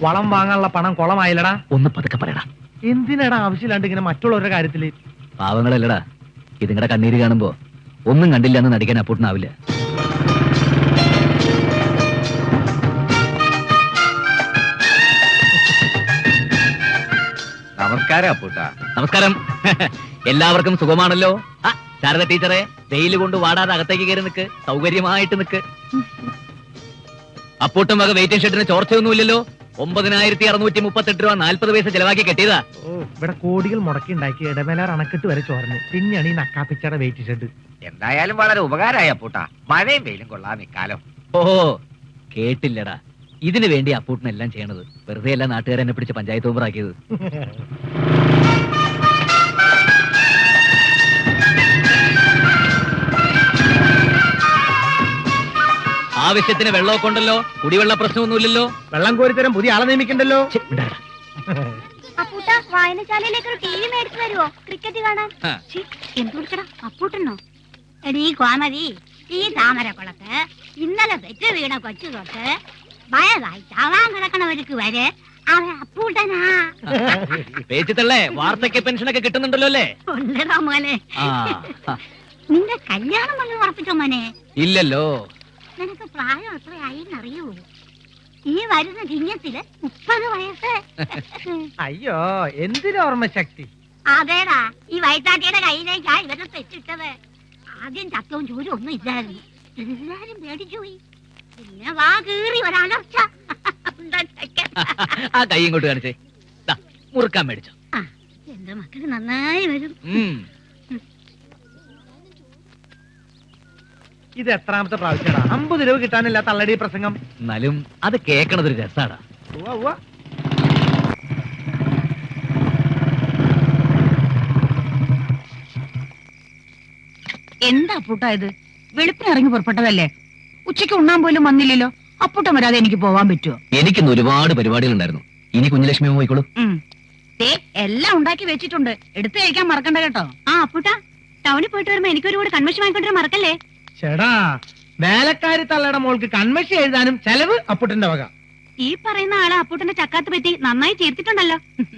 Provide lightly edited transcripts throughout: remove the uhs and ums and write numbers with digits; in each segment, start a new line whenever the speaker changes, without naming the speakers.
വളം വാങ്ങാനുള്ള പണം കുളമായില്ലടാ.
ഒന്ന് പതുക്കെ പറയടാ.
എന്തിനാടാ ആവശ്യമില്ലാണ്ട് ഇങ്ങനെ മറ്റുള്ളവരുടെ കാര്യത്തില്?
പാവങ്ങളല്ലടാ, ഇതിങ്ങടെ കണ്ണീര് കാണുമ്പോ ഒന്നും കണ്ടില്ല എന്ന് നടിക്കാൻ അപ്പൂട്ടനാവില്ല.
നമസ്കാരം അപ്പൂട്ട.
നമസ്കാരം. എല്ലാവർക്കും സുഖമാണല്ലോ? ശാരദ ടീച്ചറെ, വെയിൽ കൊണ്ട് വാടാതെ അകത്തേക്ക് കയറി നിൽക്ക്, സൗകര്യമായിട്ട് നിൽക്ക്. അപ്പൂട്ടം വക വെയിറ്റിംഗ് ഷെഡിന് ചോർച്ചയൊന്നുമില്ലല്ലോ. 9638 രൂപ 40 പൈസ ചെലവാക്കി കെട്ടിയതാ.
ഇവിടെ കോടികൾ മുടക്കി ഉണ്ടാക്കി ഇടമേലാർ അണക്കെട്ട് വരെ ചോർന്ന്. പിന്നെയാണ് ഈ നക്കാപ്പിച്ചയുടെ വെയിറ്റ് ഷെഡ്.
എന്തായാലും വളരെ ഉപകാരമായി അപ്പൂട്ട. മഴയും വെയിലും കൊള്ളാം ഇക്കാലം.
ഓഹോ, കേട്ടില്ലടാ. ഇതിനു വേണ്ടി അപ്പൂട്ടനെല്ലാം ചെയ്യണത്. വെറുതെ അല്ല നാട്ടുകാരെന്നെ പിടിച്ച് പഞ്ചായത്ത് മെമ്പറാക്കിയത്. ആവശ്യത്തിന് വെള്ളമൊക്കെ ഉണ്ടല്ലോ, കുടിവെള്ള പ്രശ്നമൊന്നുമില്ലല്ലോ.
വെള്ളം കോരിത്തരം പുതിയ ആളെ നിയമിക്കണ്ടല്ലോ.
വായനശാലയിലേക്ക് ഒരു ടി വി മേടിച്ചു തരുമോ? ക്രിക്കറ്റ് കാണാൻ. എന്ത് വിളിക്കടാ? അപ്പൂട്ടനോ? എടീ കോമതി, ഈ താമരക്കുളത്ത് ഇന്നലെ പെറ്റ് വീണ കൊച്ചു തൊട്ട് വയതായി ചാവാൻ കിടക്കണവർക്ക് വരെ അവൻ അപ്പൂട്ടനാ.
പേച്ചിത്തള്ളേ, വാർദ്ധക്യ പെൻഷനൊക്കെ കിട്ടുന്നുണ്ടല്ലോ അല്ലേ?
ഉണ്ടടാ മോനെ. നിന്റെ കല്യാണം വന്ന് ഉറപ്പിച്ചോ മോനെ?
ഇല്ലല്ലോ.
നിനക്ക് പ്രായം എത്രയായിന്നറിയൂ? ഈ വരുന്ന ചിങ്ങത്തില് 30 വയസ്സ്.
അയ്യോ, എന്തിനു ഓർമ്മശക്തി?
അതേടാ, ഈ വയറ്റാട്ടിയുടെ കയ്യിലേക്കാ ഇവരെ തെറ്റിട്ടത്. ആദ്യം ചത്തവും ചൂരും ഒന്നും ഇല്ലായിരുന്നു. എല്ലാരും പേടിച്ചുപോയി. പിന്നെ വാ കീറി ഒരലർച്ച.
ആ കൈ ഇങ്ങോട്ട് കാണിച്ചേ. മുറുക്കാൻ മേടിച്ചോ.
എന്റെ മക്കള് നന്നായി വരും.
ഇത് എത്രാമത്തെ പ്രാവശ്യമാ? 50 രൂപ കിട്ടാനില്ല തള്ളടി പ്രസംഗം.
എന്നാലും അത് കേക്കണതൊരു രസാടാ.
എന്താ അപ്പൂട്ടാ ഇത്? വെളുപ്പിന് ഇറങ്ങി പുറപ്പെട്ടതല്ലേ? ഉച്ചയ്ക്ക് ഉണ്ണാൻ പോലും വന്നില്ലല്ലോ. അപ്പൂട്ടം വരാതെ എനിക്ക് പോവാൻ പറ്റുമോ?
എനിക്കിന്ന് ഒരുപാട് പരിപാടികൾ ഉണ്ടായിരുന്നു. ഇനി കുഞ്ഞലക്ഷ്മി പോയിക്കോളൂ.
എല്ലാം ഉണ്ടാക്കി വെച്ചിട്ടുണ്ട്, എടുത്തു കഴിക്കാൻ മറക്കണ്ട കേട്ടോ.
ആ അപ്പൂട്ടാ, ടൗണിൽ പോയിട്ട് വരുമ്പോ എനിക്കൊരു കൂടെ കൺവെൻഷൻ വാങ്ങിക്കൊണ്ടിരാൻ മറക്കല്ലേ?
ചേടാ, വേലക്കാരി തള്ളയുടെ മോൾക്ക് കൺവെൻഷൻ എഴുതാനും ചെലവ് അപ്പൂട്ടന്റെ വക.
ഈ പറയുന്ന ആളെ അപ്പൂട്ടന്റെ ചക്കാത്ത് പറ്റി നന്നായി ചേർത്തിട്ടുണ്ടല്ലോ.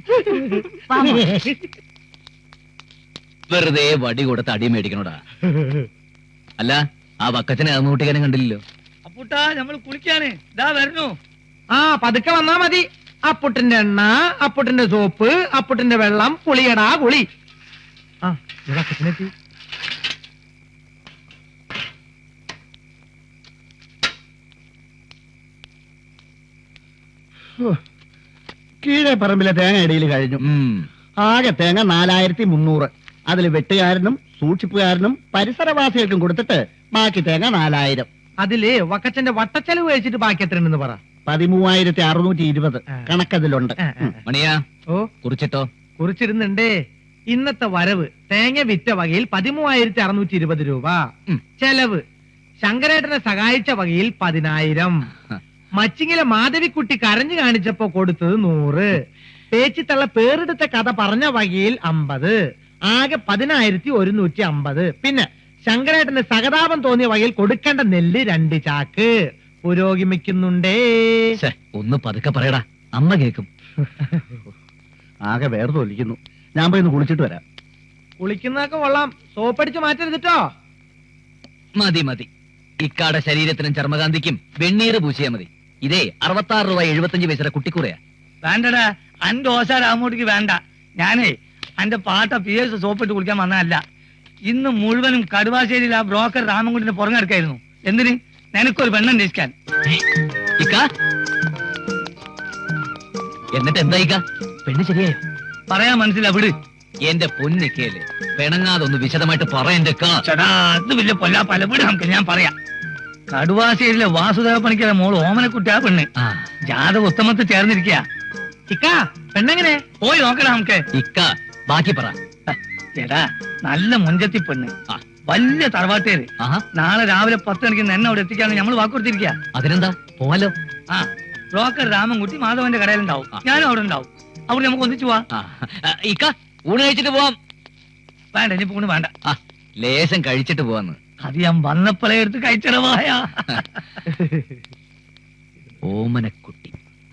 വെറുതെ വടി കൊടുത്ത് അടി മേടിക്കണോടാ. അല്ല, ആ വക്കച്ചനെ അതൊന്നുകൂട്ടിക്കാനും കണ്ടില്ലല്ലോ.
അപ്പൂട്ടാ, നമ്മൾ കുളിക്കാണ്. ഇതാ വരുന്നു.
ആ, പതുക്കെ വന്നാ മതി. അപ്പുട്ടിന്റെ എണ്ണ, അപ്പുട്ടിന്റെ സോപ്പ്, അപ്പുട്ടിന്റെ വെള്ളം, കുളിയടാ കുളി. ആ, വക്കച്ചനെത്തി.
കീഴെ പറമ്പിലെ തേങ്ങ ഇടയിൽ കഴിഞ്ഞു. ആകെ തേങ്ങ 4300. അതിൽ വെട്ടുകാരനും സൂക്ഷിപ്പുകാരനും പരിസരവാസികൾക്കും കൊടുത്തിട്ട് ബാക്കി തേങ്ങ 4000.
അതില് വക്കച്ചന്റെ വട്ടച്ചെലവ് കഴിച്ചിട്ട് ബാക്കി എത്ര ഉണ്ടെന്ന് പറ.
13620 കണക്കതിലുണ്ട്.
മണിയാ,
ഓ,
കുറിച്ചിട്ടോ?
കുറിച്ചിരുന്നുണ്ടേ. ഇന്നത്തെ വരവ് തേങ്ങ വിറ്റ വകയിൽ 13620 രൂപ. ചെലവ് ശങ്കരേട്ടനെ സഹായിച്ച വകയിൽ 10000. മച്ചിങ്ങിലെ മാധവിക്കുട്ടി കരഞ്ഞു കാണിച്ചപ്പോ കൊടുത്തത് 100. പേച്ചിത്തള്ള പേരെടുത്ത കഥ പറഞ്ഞ വകയിൽ 50. ആകെ 10150. പിന്നെ ശങ്കരേട്ടന് സഹതാപം തോന്നിയ വകയിൽ കൊടുക്കേണ്ട നെല്ല് 2 ചാക്ക്. പുരോഗമിക്കുന്നുണ്ടേ.
ഒന്ന് പതുക്കെ പറയടാ, അമ്മ കേക്കും.
ആകെ വേർത്ത് ഒലിക്കുന്നു. ഞാൻ പോയി ഒന്ന് കുളിച്ചിട്ട് വരാം.
കുളിക്കുന്നതൊക്കെ കൊള്ളാം, സോപ്പടിച്ച് മാറ്റരുതിട്ടോ.
മതി മതി, ഇക്കാടെ ശരീരത്തിനും ചർമ്മകാന്തിക്കും വെണ്ണീര് പൂശിയാ മതി. ഇതേ 66 രൂപ 75 പൈസ കുട്ടിക്കൂറയാ.
വേണ്ടടാ, അന്റെ ഓശ രാമൂട്ടിക്ക് വേണ്ട. ഞാനേ അന്റെ പാട്ട PS സോപ്പിട്ട് കുളിക്കാൻ വന്നതല്ല. ഇന്ന് മുഴുവനും കടുവാശ്ശേരിയിൽ ആ ബ്രോക്കർ രാമൻകുട്ടിന്റെ പുറങ്ങെടുക്കായിരുന്നു. എന്തിന്? നിനക്കൊരു പെണ്ണം രക്ഷിക്കാൻ.
എന്നിട്ട് എന്തായിക്ക? പെണ്ണ് ശരിയായോ?
പറയാൻ മനസ്സിലാ, വിട്.
എന്റെ പൊന്നിക്കല്ലേ, പെണങ്ങാതൊന്ന് വിശദമായിട്ട് പറയണ്ടേ.
ചേടാ, അത് വലിയ പൊല്ലാ പല വിട്. നമുക്ക് ഞാൻ പറയാം. കടുവാശ്ശേരിയിലെ വാസുദേവ പണിക്കരെ മോള് ഓമനക്കുട്ടിയാ പെണ്ണ്. ജാതക ഉത്തമത്തിൽ ചേർന്നിരിക്കുക.
ഇക്ക, പെണ്ണെങ്ങനെ?
പോയി നോക്കണം നമുക്ക്.
ഇക്ക, ബാക്കി പറ.
ചേടാ, നല്ല മുഞ്ചത്തി പെണ്ണ്, വലിയ തറവാട്ടേര്. നാളെ രാവിലെ 10 മണിക്ക് എന്നെ അവിടെ എത്തിക്കാന്ന് നമ്മൾ വാക്കുകൊടുത്തിരിക്കുക.
അതിനെന്താ, പോവാലോ.
ആ, ബ്രോക്കർ രാമൻകുട്ടി മാധവന്റെ കടയിലുണ്ടാവും, ഞാനും അവിടെ ഉണ്ടാവും. അവിടെ നമുക്ക് ഒന്നിച്ചു പോവാം.
ഇക്ക, ഊണ് കഴിച്ചിട്ട് പോവാം.
വേണ്ട, ഇനി ഊണ് വേണ്ട.
ലേശം കഴിച്ചിട്ട് പോവാന്ന്.
അത് ഞാൻ വന്നപ്പോഴേ എടുത്ത് കഴിച്ചിടവായ.
ഓമനക്കുട്ടി, നല്ല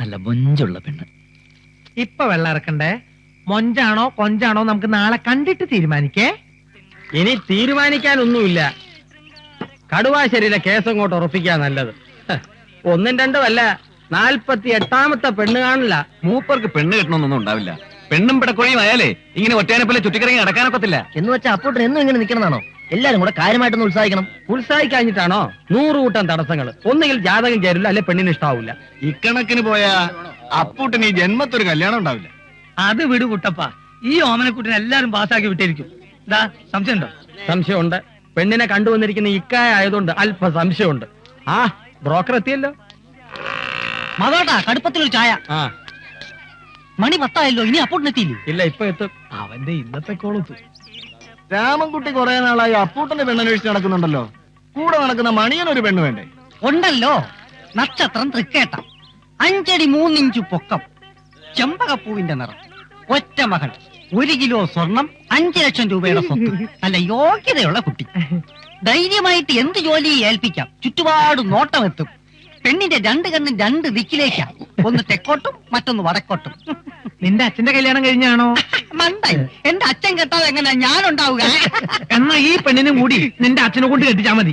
നല്ല മൊഞ്ചുള്ള പെണ്ണ്.
ഇപ്പൊ വെള്ളം ഇറക്കണ്ടേ? മൊഞ്ചാണോ കൊഞ്ചാണോ നമുക്ക് നാളെ കണ്ടിട്ട് തീരുമാനിക്കേ.
ഇനി തീരുമാനിക്കാനൊന്നുമില്ല. കടുവാശ്ശേരിയിലെ കേസ് അങ്ങോട്ട് ഉറപ്പിക്കാൻ നല്ലത്. ഒന്നും രണ്ടും അല്ല, 48ാമത്തെ പെണ്ണ് കാണില്ല.
മൂപ്പർക്ക് പെണ്ണ് കിട്ടണമെന്നൊന്നും ഉണ്ടാവില്ല. പെണ്ണും പിടക്കൊഴിയും ആയാലേ ഇങ്ങനെ ഒറ്റയാനെപ്പോലെ ചുറ്റിക്കറങ്ങി നടക്കാനൊക്കത്തില്ല.
എന്ന് വെച്ചാൽ അപ്പോട്ട് എന്നും ഇങ്ങനെ നിൽക്കണമെന്നാണോ? എല്ലാരും കൂടെ കാര്യമായിട്ടൊന്ന് ഉത്സാഹിക്കണം.
ഉത്സാഹിക്കാഞ്ഞിട്ടാണോ? 100 കൂട്ടം തടസ്സങ്ങൾ. ഒന്നുകിൽ ജാതകം ചേരില്ല, അല്ലെ പെണ്ണിന് ഇഷ്ടാവൂല.
ഇക്കണക്കിന് പോയാ അപ്പൂട്ടന് ഈ ജന്മത്തൊരു കല്യാണം ഉണ്ടാവില്ല.
അത് വിടു കുട്ടപ്പ, ഈ ഓമനക്കുട്ടിനെ എല്ലാരും പാസ്സാക്കി വിട്ടിരിക്കും. ഇതാ സംശയമുണ്ടോ?
സംശയമുണ്ട്. പെണ്ണിനെ കണ്ടുവന്നിരിക്കുന്ന ഇക്കായ ആയതുകൊണ്ട് അല്പ സംശയമുണ്ട്. ആ ബ്രോക്കർ എത്തിയല്ലോ.
മതോട്ടാ, കടുപ്പത്തിലൊരു ചായ.
ആ
മണി 10 ഇനി അപ്പോട്ടിനെത്തിയില്ലേ?
ഇല്ല, ഇപ്പൊ എത്തും.
അവന്റെ ഇന്നത്തെ കോളത്ത്
രാമൻകുട്ടി കുറെ നാളായി അപ്പൂട്ടന്റെ പെണ്ണന്വേഷിച്ച് നടക്കുന്നുണ്ടല്ലോ. കൂടെ നടക്കുന്ന മണിയനൊരു പെണ്ണ് വേണ്ടേ?
ഉണ്ടല്ലോ, നക്ഷത്രം തൃക്കേട്ട, 5 അടി 3 ഇഞ്ച് പൊക്കം, ചെമ്പകപ്പൂവിന്റെ നിറം, ഒറ്റ മകൾ, 1 കിലോ സ്വർണം, 5 ലക്ഷം രൂപയുടെ സ്വത്ത്. നല്ല യോഗ്യതയുള്ള കുട്ടി. ധൈര്യമായിട്ട് എന്ത് ജോലി ഏൽപ്പിക്കാം. ചുറ്റുപാട് നോട്ടമെത്തും. പെണ്ണിന്റെ 2 കണ്ണും 2 ദിക്കിലേക്കാ. ഒന്ന് തെക്കോട്ടും മറ്റൊന്ന് വടക്കോട്ടും.
നിന്റെ അച്ഛന്റെ കല്യാണം കഴിഞ്ഞാണോ?
മണ്ടായി, എന്റെ അച്ഛൻ കെട്ടാതെ എങ്ങനെയാ ഞാനുണ്ടാവുക?
എന്നാ ഈ പെണ്ണിനും കൂടി നിന്റെ അച്ഛനെ കൊണ്ട് കെട്ടിച്ചാ മതി.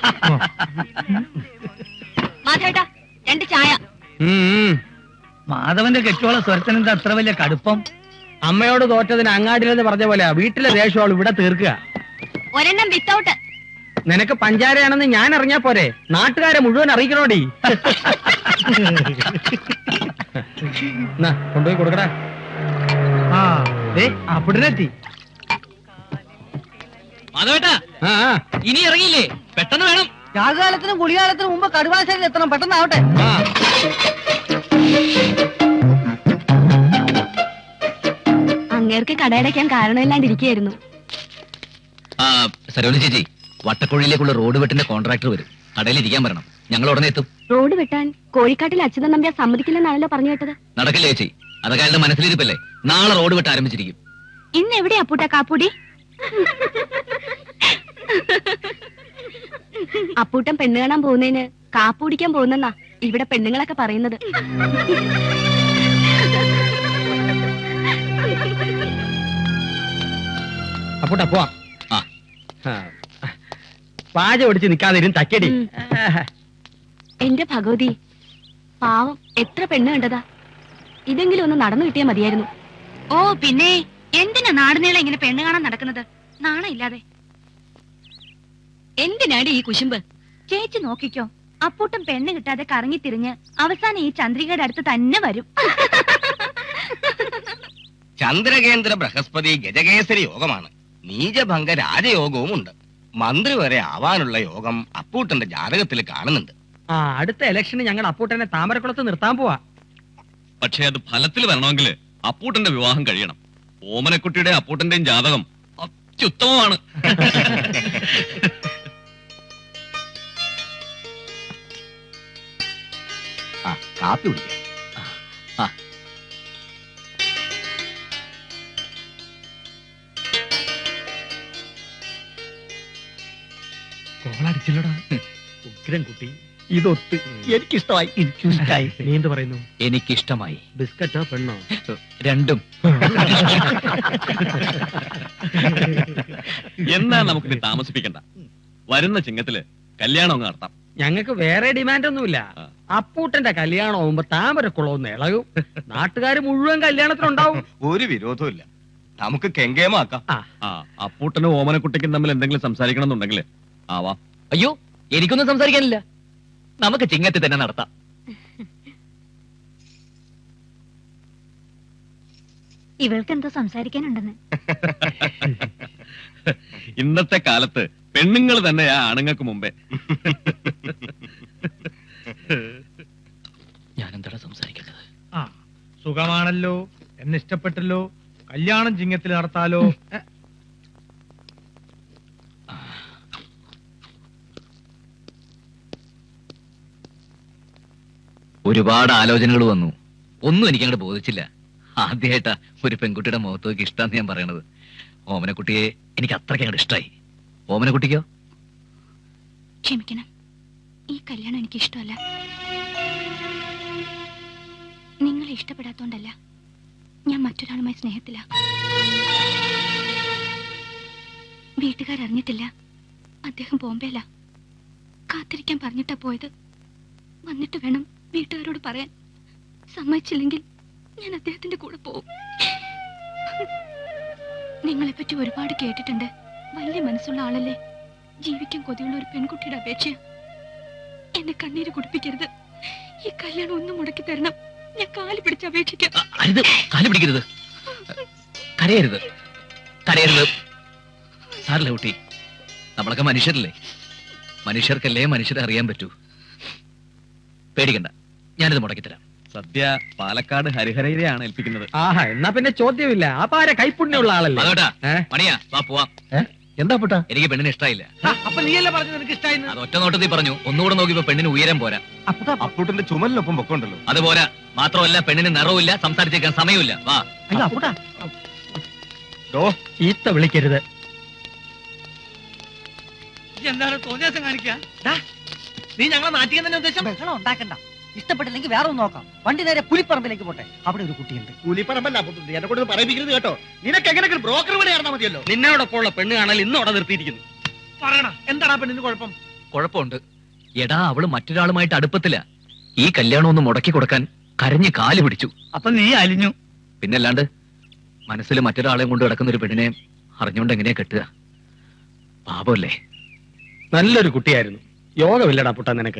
മാധവേട്ടാ 2 ചായ.
മാധവന്റെ കെട്ടിയോളെ സ്വരത്തിനെന്താ അത്ര വലിയ കടുപ്പം?
അമ്മയോട് തോറ്റതിന് അങ്ങാടിലെന്ന് പറഞ്ഞ പോലെ വീട്ടിലെ ദേഷ്യം അവൾ ഇവിടെ തീർക്കുക.
ഒരെണ്ണം വിത്തൗട്ട്.
നിനക്ക് പഞ്ചാരയാണെന്ന് ഞാൻ അറിഞ്ഞാ പോരെ? നാട്ടുകാരെ മുഴുവൻ അറിയിക്കണോടി. കൊണ്ടുപോയി കൊടുക്കടാ.
ആ ദേ അപ്പുട്ടനെത്തി.
മാധവേട്ടാ, ഇനി ഇറങ്ങിയില്ലേ? പെട്ടെന്ന് വേണം.
രാഗകാലത്തിനും കുളികാലത്തിനും മുമ്പ് കടുവാശ്ശേരിയിൽ എത്തണം. പെട്ടെന്നാവട്ടെ.
അങ്ങേർക്ക് കടയടയ്ക്കാൻ കാരണമില്ലാണ്ടിരിക്കുകയായിരുന്നു.
സരോജ ചേച്ചി, വട്ടക്കുഴിയിലേക്കുള്ള റോഡ് വെട്ടിന്റെ കോൺട്രാക്ടർ വരും. കടയിൽ ഇരിക്കാൻ പറയണം. ഞങ്ങൾ ഉടനെ എത്തും.
റോഡ് വെട്ടാൻ കോഴിക്കാട്ടിൽ അച്യുതൻ നമ്പ്യാർ സമ്മതിക്കില്ലെന്നാണല്ലോ പറഞ്ഞു കേട്ടത്.
നടക്കില്ല ചേച്ചി, അതൊക്കെ അയാളുടെ മനസ്സിലിരിപ്പല്ലേ. നാളെ റോഡ് വെട്ട് ആരംഭിച്ചിരിക്കും.
ഇന്ന് എവിടെയാ അപ്പൂട്ട കാപ്പൂടി? അപ്പൂട്ടൻ പെണ്ണ് കാണാൻ പോകുന്നതിന് കാപ്പൂടിക്കാൻ പോകുന്നെന്നാ ഇവിടെ പെണ്ണുങ്ങളൊക്കെ പറയുന്നത്.
അപ്പൂട്ടാ പോവാം.
ആ
പാച ഒടിച്ച് നിക്കാതിരും തക്കടി.
എന്റെ ഭഗവതി, പാവം എത്ര പെണ്ണ് കണ്ടതാ. ഇതെങ്കിലും ഒന്ന് നടന്നു കിട്ടിയാ മതിയായിരുന്നു. ഓ പിന്നെ എന്തിനാ നാടുനീളെ ഇങ്ങനെ പെണ്ണ് കാണാൻ നടക്കുന്നത്? നാണം ഇല്ലാതെ. എന്തിനാടി ഈ കുശുമ്പ്? ചേച്ചി നോക്കിക്കോ, അപ്പൂട്ടം പെണ്ണ് കിട്ടാതെ കറങ്ങി തിരിഞ്ഞ് അവസാനം ഈ ചന്ദ്രികയുടെ അടുത്ത് തന്നെ വരും.
ചന്ദ്രകേന്ദ്ര ബൃഹസ്പതി ഗജകേസരി യോഗമാണ്. നീചഭംഗ രാജയോഗവും ഉണ്ട്. മന്ത്രി വരെ ആവാനുള്ള യോഗം അപ്പൂട്ടന്റെ ജാതകത്തിൽ കാണുന്നുണ്ട്.
ആ അടുത്ത ഇലക്ഷന് ഞങ്ങൾ അപ്പൂട്ടനെ താമരക്കുളത്ത് നിർത്താൻ പോവാ.
പക്ഷേ അത് ഫലത്തിൽ വരണമെങ്കിൽ അപ്പൂട്ടന്റെ വിവാഹം കഴിയണം. ഓമനക്കുട്ടിയുടെ അപ്പൂട്ടന്റെയും ജാതകം അത്യുത്തമമാണ്.
കാപ്പി കുടിക്കാം.
കോളടിച്ചില്ലടാ.
ഉഗ്രം കുട്ടി, ഇതൊത്ത് എനിക്കിഷ്ടമായി. എനിക്കിഷ്ടായി. നീ എന്ത് പറയുന്നു?
എനിക്കിഷ്ടമായി.
ബിസ്ക്കറ്റോ പെണ്ണോ?
രണ്ടും.
എന്നാ നമുക്കിനി താമസിപ്പിക്കണ്ട. വരുന്ന ചിങ്ങത്തില് കല്യാണം അങ്ങ് നടത്താം.
ഞങ്ങൾക്ക് വേറെ ഡിമാൻഡ് ഒന്നുമില്ല. അപ്പൂട്ടന്റെ കല്യാണം ആവുമ്പോ താമരക്കുളമൊന്ന് ഇളകും. നാട്ടുകാർ മുഴുവൻ കല്യാണത്തിനുണ്ടാവും.
ഒരു വിരോധവും ഇല്ല. നമുക്ക് കെങ്കേമാക്കാം.
അപ്പൂട്ടനും ഓമനക്കുട്ടിക്കും തമ്മിൽ എന്തെങ്കിലും സംസാരിക്കണം എന്നുണ്ടെങ്കിൽ ആവാ.
അയ്യോ, എനിക്കൊന്നും സംസാരിക്കാനില്ല. നമുക്ക് ചിങ്ങത്തിൽ തന്നെ നടത്താം.
ഇവൾക്ക് എന്തോ സംസാരിക്കാനുണ്ടെന്ന്.
ഇന്നത്തെ കാലത്ത് പെണ്ണുങ്ങൾ തന്നെയാ ആണുങ്ങൾക്ക് മുമ്പേ.
ഞാൻ എന്താണ് സംസാരിക്കേണ്ടത്?
ആ സുഖമാണല്ലോ, എന്നെ ഇഷ്ടപ്പെട്ടല്ലോ, കല്യാണം ചിങ്ങത്തിൽ നടത്താലോ.
ഒരുപാട് ആലോചനകൾ വന്നു. ഒന്നും എനിക്ക് അങ്ങോട്ട് ബോധിച്ചില്ല. ആദ്യമായിട്ടാ ഒരു പെൺകുട്ടിയുടെ മുഖത്തേക്ക് ഇഷ്ടാന്ന് ഞാൻ പറയണത്. ഓമനക്കുട്ടിയെ എനിക്ക് അത്രയ്ക്ക് അങ്ങോട്ട് ഇഷ്ടമായി. ഓമനക്കുട്ടിക്കോ?
ക്ഷമിക്കണം, ഈ കല്യാണം എനിക്ക് ഇഷ്ടമല്ല. ഇഷ്ടപ്പെടാത്തോണ്ടല്ല, ഞാൻ മറ്റൊരാളുമായി സ്നേഹത്തില. വീട്ടുകാരറിഞ്ഞിട്ടില്ല. അദ്ദേഹം ബോംബെയില. കാത്തിരിക്കാൻ പറഞ്ഞിട്ടാ പോയത്. വന്നിട്ട് വേണം വീട്ടുകാരോട് പറയാൻ. സമ്മതിച്ചില്ലെങ്കിൽ ഞാൻ അദ്ദേഹത്തിന്റെ കൂടെ പോവും. നിങ്ങളെപ്പറ്റി ഒരുപാട് കേട്ടിട്ടുണ്ട്. വലിയ മനസ്സുള്ള ആളല്ലേ. ജീവിക്കാൻ കൊതിയുള്ള ഒരു പെൺകുട്ടിയുടെ അപേക്ഷ. എന്നെ കണ്ണീര് കുടിപ്പിക്കരുത്. ഈ കല്യാണം ഒന്നും മുടക്കി തരണം. ഞാൻ കാല് പിടിച്ച് അപേക്ഷിക്കാം.
കാല് പിടിക്കരുത്, കരയരുത്, കരയരുത്. സാറില്ല കുട്ടി, നമ്മളൊക്കെ മനുഷ്യരല്ലേ. മനുഷ്യർക്കല്ലേ മനുഷ്യരെ അറിയാൻ പറ്റൂ. പേടിക്കണ്ട, ഞാനിത് മുടക്കിത്തരാം.
സദ്യ പാലക്കാട് ഹരിഹരയിലെയാണ് ഏൽപ്പിക്കുന്നത്.
ആഹാ, എന്നാ പിന്നെ ചോദ്യമില്ല. അപ്പൊ ആരെ കൈപ്പുണ്യുള്ള ആളല്ലേ?
അതോട്ടാ മണിയാ, വാ പോവാം.
എന്താ അപ്പൂട്ടാ?
എനിക്ക് പെണ്ണിന് ഇഷ്ടമായില്ല.
അപ്പൊ നീയല്ലേ പറഞ്ഞു നിനക്ക് ഇഷ്ടായിരുന്നു?
അത് ഒറ്റ നോട്ടത്തിൽ പറഞ്ഞു. ഒന്നുകൂടെ നോക്കിയപ്പോ പെണ്ണിന് ഉയരം പോരാ.
അപ്പൂട്ടന്റെ ചുമലിനൊപ്പം പൊക്കമുണ്ടല്ലോ.
അത് പോരാ. മാത്രമല്ല പെണ്ണിന് നിറവില്ല, സംസാരിച്ചേക്കാൻ സമയമില്ല. വാ.
അപ്പൂട്ടാ
ഈത്ത വിളിക്കരുത്.
എന്താണ് തോന്നിയാസം കാണിക്കുക?
നീ ഞങ്ങളെ നാട്ടിൽ തന്നെ ഉദ്ദേശം?
ബഹളം ഉണ്ടാക്കണ്ട. ഇഷ്ടപ്പെട്ടില്ലെങ്കിൽ വേറെ ഒന്ന് നോക്കാം. വണ്ടി നേരെ പുലിപ്പറമ്പിലേക്ക് പോട്ടെ. അവിടെ ഒരു കുട്ടിയുണ്ട്.
കൂലിപ്പറമ്പല്ല എന്നെ കൊണ്ട് പറയിപ്പിക്കരുത് കേട്ടോ. നിനക്ക് എങ്ങനെ ബ്രോക്കർ വരെ ആയിരുന്നാ മതിയല്ലോ.
നിന്നോടൊപ്പം ഉള്ള പെണ്ണ് കാണാൻ ഇന്ന് അവിടെ നിർത്തിയിരിക്കുന്നു.
പറയണ എന്താടാ പെണ്ണിന് കുഴപ്പം?
കുഴപ്പമുണ്ട്. എടാ, അവള് മറ്റൊരാളുമായിട്ട് അടുപ്പത്തില്ല. ഈ കല്യാണം ഒന്ന് മുടക്കി കൊടുക്കാൻ കരഞ്ഞ് കാല് പിടിച്ചു.
അപ്പൊ നീ അലിഞ്ഞു.
പിന്നല്ലാണ്ട് മനസ്സിൽ മറ്റൊരാളെയും കൊണ്ട് കിടക്കുന്ന ഒരു പെണ്ണിനെ അറിഞ്ഞുകൊണ്ട് എങ്ങനെയാ കെട്ടുക? പാപമല്ലേ.
നല്ലൊരു കുട്ടിയായിരുന്നു. യോഗമില്ലടാ പുട്ടാ നിനക്ക്.